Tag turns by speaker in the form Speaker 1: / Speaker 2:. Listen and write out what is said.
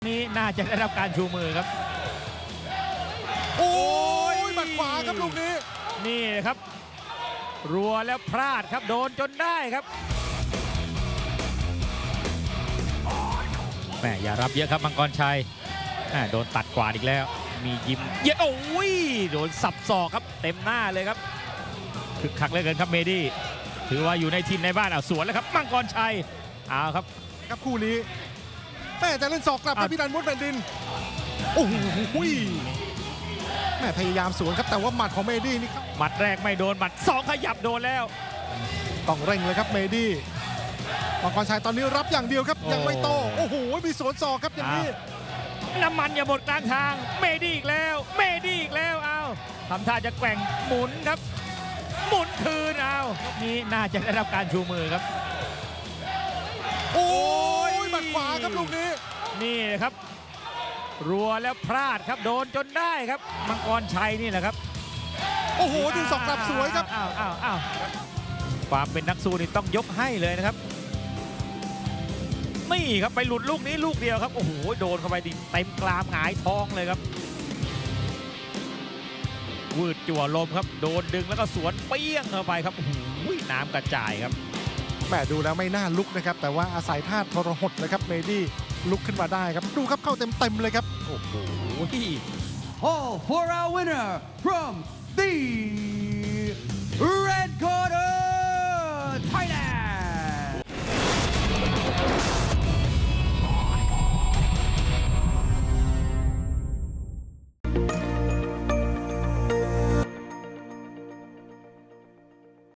Speaker 1: นี้น่าจะได้รับการชูมือครับ
Speaker 2: โอ้ยหมัดขวาครับลูกนี้
Speaker 1: นี่ครับรัวแล้วพลาดครับโดนจนได้ครับแม่อย่ารับเยอะครับมังกรชัยโดนตัดกวาดอีกแล้วมียิ้มเยอะโอ้ยโดนสับศอกครับเต็มหน้าเลยครับคึกคักเหลือเกินครับเมดี้ถือว่าอยู่ในทีมในบ้านสวนแล้วครับมังกรชัยเอาครับ
Speaker 2: คู่นี้แม่จะเล่นศอกกลับไปพี่ดันมุดแผ่นดินโอ้โหแม่พยายามสวนครับแต่ว่าหมัดของเมดี้นี่ครับ
Speaker 1: หมัดแรกไม่โดนหมัดสองขยับโดนแล้ว
Speaker 2: ต้องเร่งเลยครับเมดี้มังกรชัยตอนนี้รับอย่างเดียวครับยังไม่โตโอ้โหมีสวนศอกครับอย่างนี้
Speaker 1: น้ำมันอย่าหมดกลางทางเมดี้อีกแล้วเมดี้อีกแล้วเอาทำท่าจะแกว่งหมุนครับหมุนคืนเอานี้น่าจะได้รับการชูมือครับ
Speaker 2: โอ้ยหมัดขวาครับลูกนี้
Speaker 1: นี่ครับรัวแล้วพลาดครับโดนจนได้ครับมังกรชัยนี่แหละครับ
Speaker 2: โอ้โหดึงศอกกลับสวยครับ
Speaker 1: อ้าวความเป็นนักสู้นี่ต้องยกให้เลยนะครับนี่ครับไปหลุดลูกนี้ลูกเดียวครับโอ้โหโดนเข้าไปดิเต็มกรามหงายท้องเลยครับวืดจั่วลมครับโดนดึงแล้วก็สวนเปี้ยงเข้าไปครับโอ้โหน้ำกระจายครับ
Speaker 2: แม่ดูแล้วไม่น่าลุกนะครับแต่ว่าอาศัยท่าทรหดเลยครับเมดี้ลุกขึ้นมาได้ครับดูครับเข้าเต็มเลยครับ
Speaker 1: โอ้โห
Speaker 3: All for our winner from the Red Corner Thailand